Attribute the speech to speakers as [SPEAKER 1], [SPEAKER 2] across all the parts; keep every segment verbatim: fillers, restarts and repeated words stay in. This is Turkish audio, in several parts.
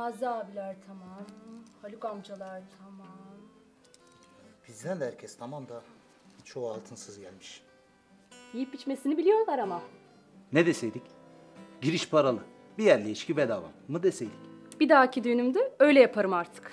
[SPEAKER 1] Niyazi abiler tamam. Haluk amcalar tamam.
[SPEAKER 2] Bizden de herkes tamam da çoğu altınsız gelmiş.
[SPEAKER 1] Yiyip içmesini biliyorlar ama.
[SPEAKER 2] Ne deseydik? Giriş paralı. Bir yerli içki bedava mı deseydik?
[SPEAKER 1] Bir dahaki düğünümde öyle yaparım artık.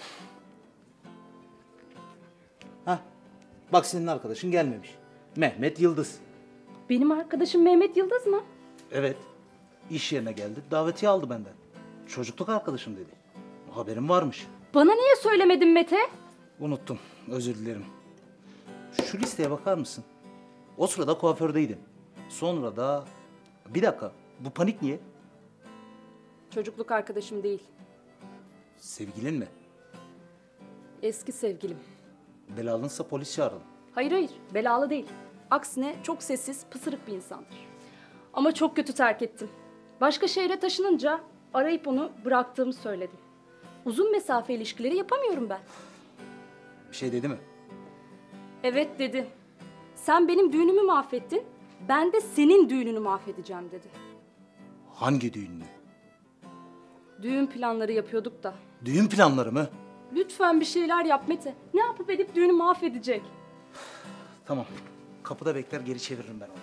[SPEAKER 2] Hah. Bak senin arkadaşın gelmemiş. Mehmet Yıldız.
[SPEAKER 1] Benim arkadaşım Mehmet Yıldız mı?
[SPEAKER 2] Evet. İş yerine geldi. Davetiye aldı benden. Çocukluk arkadaşım dedi. Haberim varmış.
[SPEAKER 1] Bana niye söylemedin Mete?
[SPEAKER 2] Unuttum. Özür dilerim. Şu listeye bakar mısın? O sırada kuafördeydim. Sonra da... Bir dakika. Bu panik niye?
[SPEAKER 1] Çocukluk arkadaşım değil.
[SPEAKER 2] Sevgilin mi?
[SPEAKER 1] Eski sevgilim.
[SPEAKER 2] Belalınsa polis çağıralım.
[SPEAKER 1] Hayır hayır, belalı değil. Aksine çok sessiz, pısırık bir insandır. Ama çok kötü terk ettim. Başka şehre taşınınca arayıp onu bıraktığımı söyledim. Uzun mesafe ilişkileri yapamıyorum ben.
[SPEAKER 2] Bir şey dedi mi?
[SPEAKER 1] Evet dedi. Sen benim düğünümü mahvettin, ben de senin düğününü mahvedeceğim dedi.
[SPEAKER 2] Hangi düğününü?
[SPEAKER 1] Düğün planları yapıyorduk da.
[SPEAKER 2] Düğün planları mı?
[SPEAKER 1] Lütfen bir şeyler yap Mete. Ne yapıp edip düğünü mahvedecek?
[SPEAKER 2] Tamam. Kapıda bekler, geri çeviririm ben onu.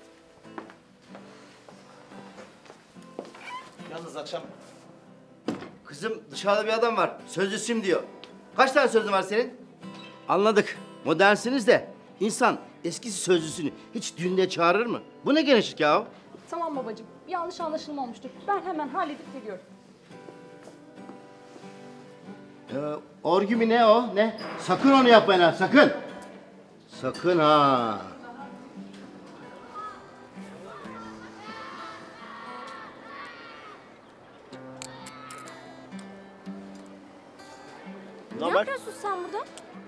[SPEAKER 2] Yalnız akşam...
[SPEAKER 3] Kızım dışarıda bir adam var. Sözlüsüyüm diyor. Kaç tane sözlü var senin? Anladık. Modernsiniz de insan eskisi sözlüsünü hiç düğünde çağırır mı? Bu ne genişlik ya?
[SPEAKER 1] Tamam babacığım. Bir yanlış anlaşılma olmuştur. Ben hemen halledip geliyorum.
[SPEAKER 3] Ee, orgü mü ne o? Ne? Sakın onu yapmayın ha, sakın. Sakın ha.
[SPEAKER 1] Ne yapıyorsun sen burada?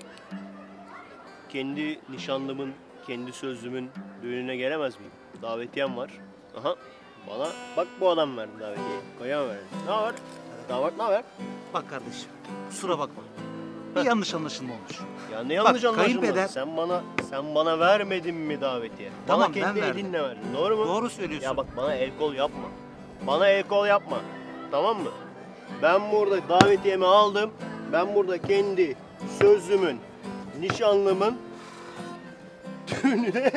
[SPEAKER 4] Kendi nişanlımın, kendi sözlümün düğününe gelemez miyim? Davetiyem var. Aha. Bana bak bu adam verdi davetiyeyi. Koyan verdi. Ne haber? Damat ne haber?
[SPEAKER 2] Bak kardeşim, kusura bakma. Bir yanlış anlaşılma olmuş.
[SPEAKER 4] Ya ne yanlış
[SPEAKER 2] Bak,
[SPEAKER 4] anlaşılması?
[SPEAKER 2] kayınpeder-
[SPEAKER 4] Sen bana sen bana vermedin mi davetiye?
[SPEAKER 2] Tamam,
[SPEAKER 4] bana kendi
[SPEAKER 2] ben verdim.
[SPEAKER 4] elinle verdin. Doğru mu?
[SPEAKER 2] Doğru söylüyorsun.
[SPEAKER 4] Ya bak bana el kol yapma. Bana el kol yapma. Tamam mı? Ben burada davetiyemi aldım. Ben burada kendi sözlümün, nişanlımın düğününe...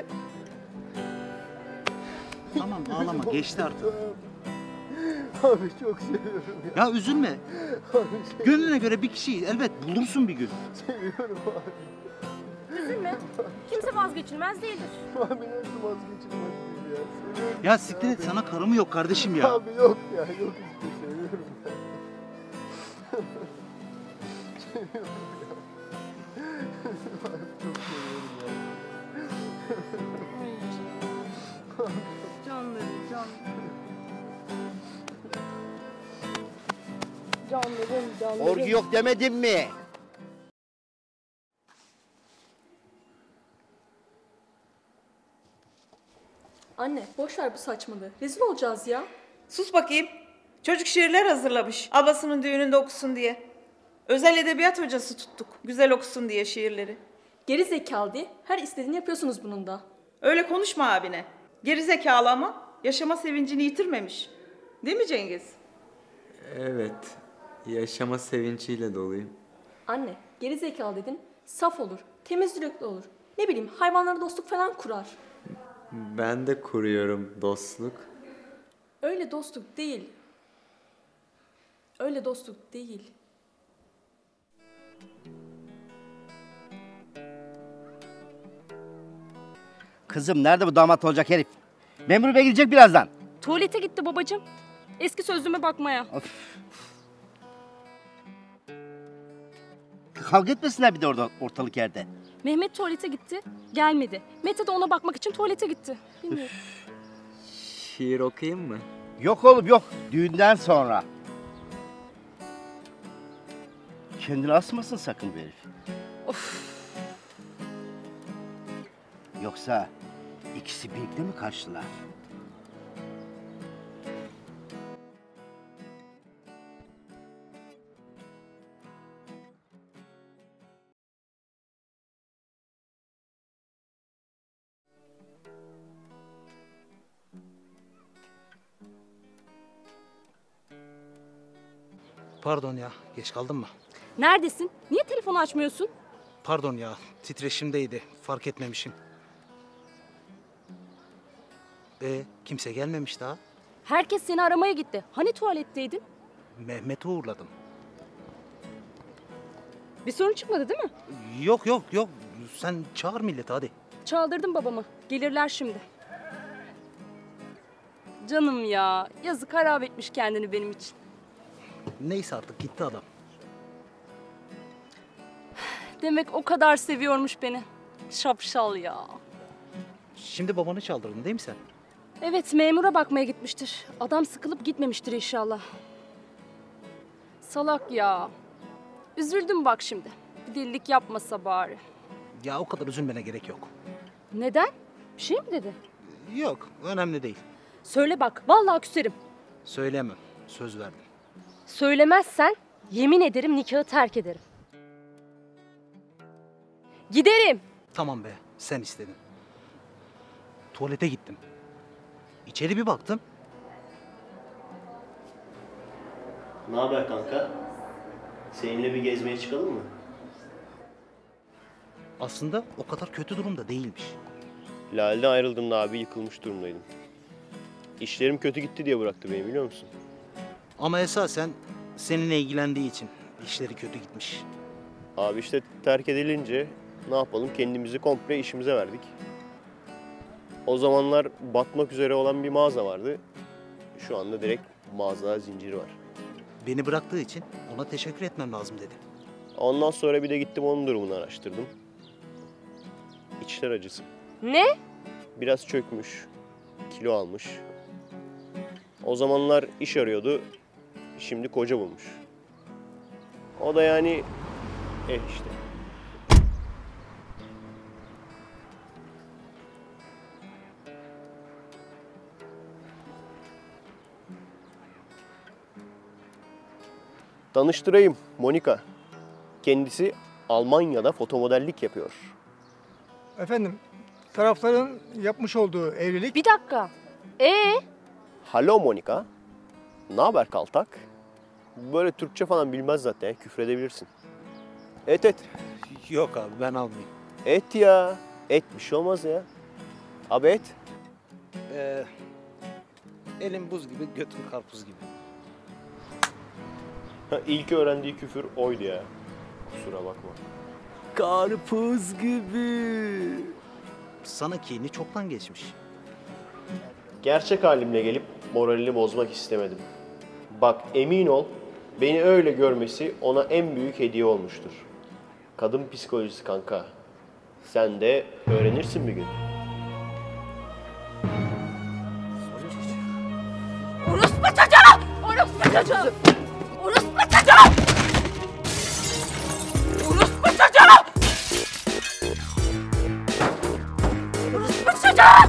[SPEAKER 2] Tamam ağlama, geçti artık.
[SPEAKER 3] Abi çok seviyorum ya.
[SPEAKER 2] Ya üzülme. Gönlüne göre bir kişiyi elbet bulursun bir gün.
[SPEAKER 3] Seviyorum abi.
[SPEAKER 1] Üzülme. Kimse vazgeçilmez değildir.
[SPEAKER 3] Abi nasıl vazgeçilmez değil ya. Seviyorum.
[SPEAKER 2] Ya siktir et, sana karımı yok kardeşim ya.
[SPEAKER 3] Abi yok ya, yok işte seviyorum ya. Seviyorum ya. Abi çok seviyorum ya.
[SPEAKER 1] Canlarım, canlarım. Canlarım, canlarım.
[SPEAKER 3] Orgu yok demedim mi?
[SPEAKER 1] Anne, boş ver bu saçmalığı. Rezil olacağız ya.
[SPEAKER 5] Sus bakayım. Çocuk şiirler hazırlamış. Ablasının düğününde okusun diye. Özel edebiyat hocası tuttuk. Güzel okusun diye şiirleri.
[SPEAKER 1] Geri zekalı diye her istediğini yapıyorsunuz bunun da.
[SPEAKER 5] Öyle konuşma abine. Geri zekalı ama yaşama sevincini yitirmemiş. Değil mi Cengiz?
[SPEAKER 6] Evet. Yaşama sevinciyle doluyum.
[SPEAKER 1] Anne, geri zekalı dedin, saf olur, temiz yürekli olur. Ne bileyim, hayvanlara dostluk falan kurar.
[SPEAKER 6] Ben de kuruyorum dostluk.
[SPEAKER 1] Öyle dostluk değil. Öyle dostluk değil.
[SPEAKER 3] Kızım nerede bu damat olacak herif? Memur bey gelecek birazdan.
[SPEAKER 1] Tuvalete gitti babacığım. Eski sözlüğüme bakmaya.
[SPEAKER 3] Of. Kavga etmesinler bir de orada ortalık yerde.
[SPEAKER 1] Mehmet tuvalete gitti, gelmedi. Mete de ona bakmak için tuvalete gitti. Bilmiyorum.
[SPEAKER 6] Şiir okuyayım mı?
[SPEAKER 3] Yok oğlum yok. Düğünden sonra. Kendini asmasın sakın bu herif.
[SPEAKER 1] Of.
[SPEAKER 3] Yoksa ikisi birlikte mi kaçtılar?
[SPEAKER 2] Pardon ya, geç kaldın mı?
[SPEAKER 1] Neredesin? Niye telefonu açmıyorsun?
[SPEAKER 2] Pardon ya, titreşimdeydi. Fark etmemişim. E kimse gelmemiş daha.
[SPEAKER 1] Herkes seni aramaya gitti. Hani tuvaletteydin?
[SPEAKER 2] Mehmet'i uğurladım.
[SPEAKER 1] Bir sorun çıkmadı değil mi?
[SPEAKER 2] Yok yok yok. Sen çağır milleti hadi.
[SPEAKER 1] Çaldırdım babamı. Gelirler şimdi. Canım ya. Yazık, harap etmiş kendini benim için.
[SPEAKER 2] Neyse artık gitti adam.
[SPEAKER 1] Demek o kadar seviyormuş beni. Şapşal ya.
[SPEAKER 2] Şimdi babanı çaldırdın değil mi sen?
[SPEAKER 1] Evet, memura bakmaya gitmiştir. Adam sıkılıp gitmemiştir inşallah. Salak ya. Üzüldüm bak şimdi. Bir delilik yapmasa bari.
[SPEAKER 2] Ya o kadar üzülmene gerek yok.
[SPEAKER 1] Neden? Bir şey mi dedi?
[SPEAKER 2] Yok, önemli değil.
[SPEAKER 1] Söyle bak, vallahi küserim.
[SPEAKER 2] Söyleyemem, söz verdim.
[SPEAKER 1] Söylemezsen yemin ederim nikahı terk ederim. Giderim.
[SPEAKER 2] Tamam be, sen istedin. Tuvalete gittim. İçeri bir baktım.
[SPEAKER 4] Ne haber kanka? Seninle bir gezmeye çıkalım mı?
[SPEAKER 2] Aslında o kadar kötü durumda değilmiş.
[SPEAKER 4] Lale'den ayrıldığımda abi yıkılmış durumdaydım. İşlerim kötü gitti diye bıraktı beni, biliyor musun?
[SPEAKER 2] Ama esasen seninle ilgilendiği için işleri kötü gitmiş.
[SPEAKER 4] Abi işte terk edilince ne yapalım, kendimizi komple işimize verdik. O zamanlar batmak üzere olan bir mağaza vardı. Şu anda direkt mağaza zinciri var.
[SPEAKER 2] Beni bıraktığı için ona teşekkür etmem lazım dedi.
[SPEAKER 4] Ondan sonra bir de gittim onun durumunu araştırdım. İçler acısı.
[SPEAKER 1] Ne?
[SPEAKER 4] Biraz çökmüş, kilo almış. O zamanlar iş arıyordu, şimdi koca bulmuş. O da yani, eh işte. Tanıştırayım, Monika. Kendisi Almanya'da fotomodellik yapıyor.
[SPEAKER 7] Efendim, tarafların yapmış olduğu evlilik...
[SPEAKER 1] Bir dakika. Ee?
[SPEAKER 4] Halo Monika. Ne haber kaltak? Böyle Türkçe falan bilmez zaten, küfredebilirsin. Et et.
[SPEAKER 2] Yok abi ben almayayım.
[SPEAKER 4] Et ya. Et bir şey olmaz ya. Abi et.
[SPEAKER 2] Ee, elim buz gibi, götüm karpuz gibi.
[SPEAKER 4] Ha, İlk öğrendiği küfür oydu ya. Kusura bakma.
[SPEAKER 6] Karpuz gibi.
[SPEAKER 2] Sana kini çoktan geçmiş.
[SPEAKER 4] Gerçek halimle gelip moralini bozmak istemedim. Bak emin ol, beni öyle görmesi ona en büyük hediye olmuştur. Kadın psikolojisi kanka. Sen de öğrenirsin bir gün.
[SPEAKER 1] Orospu çocuğu! Orospu çocuğu! Orospu çocuğu! Orospu çocuğu! Orospu çocuğu!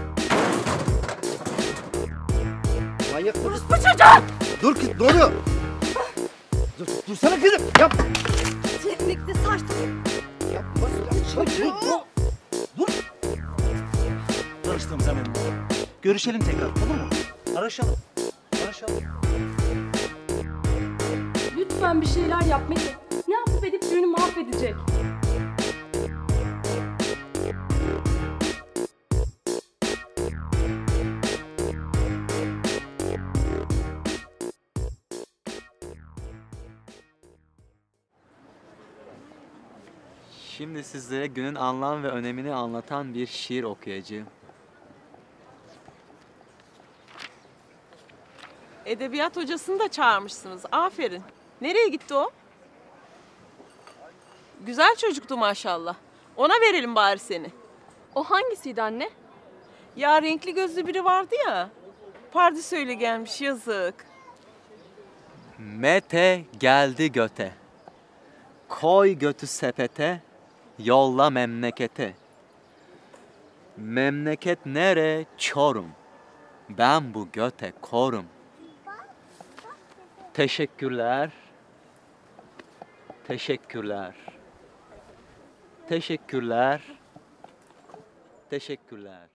[SPEAKER 3] Manyak mısın?
[SPEAKER 1] Orospu çocuğu!
[SPEAKER 3] Dur kız, ne oluyor? Dur, dursana kızım. Yap.
[SPEAKER 1] Teknikte saçtım.
[SPEAKER 3] Yapma çocuğu. Dur.
[SPEAKER 2] Tanıştığımıza memnun oldum. Görüşelim tekrar, olur mu? Araşalım. Araşalım.
[SPEAKER 1] Lütfen bir şeyler yap Mete. Ne yapıp edip düğünü mahvedecek.
[SPEAKER 6] Şimdi sizlere günün anlam ve önemini anlatan bir şiir okuyacağım.
[SPEAKER 5] Edebiyat hocasını da çağırmışsınız. Aferin. Nereye gitti o? Güzel çocuktu maşallah. Ona verelim bari seni.
[SPEAKER 8] O hangisiydi anne?
[SPEAKER 5] Ya renkli gözlü biri vardı ya. Pardesüyle gelmiş, yazık.
[SPEAKER 6] Mete geldi göte. Koy götü sepete, yolla memlekete. Memleket nere? Çorum. Ben bu göte korum. Teşekkürler. Teşekkürler. Teşekkürler. Teşekkürler.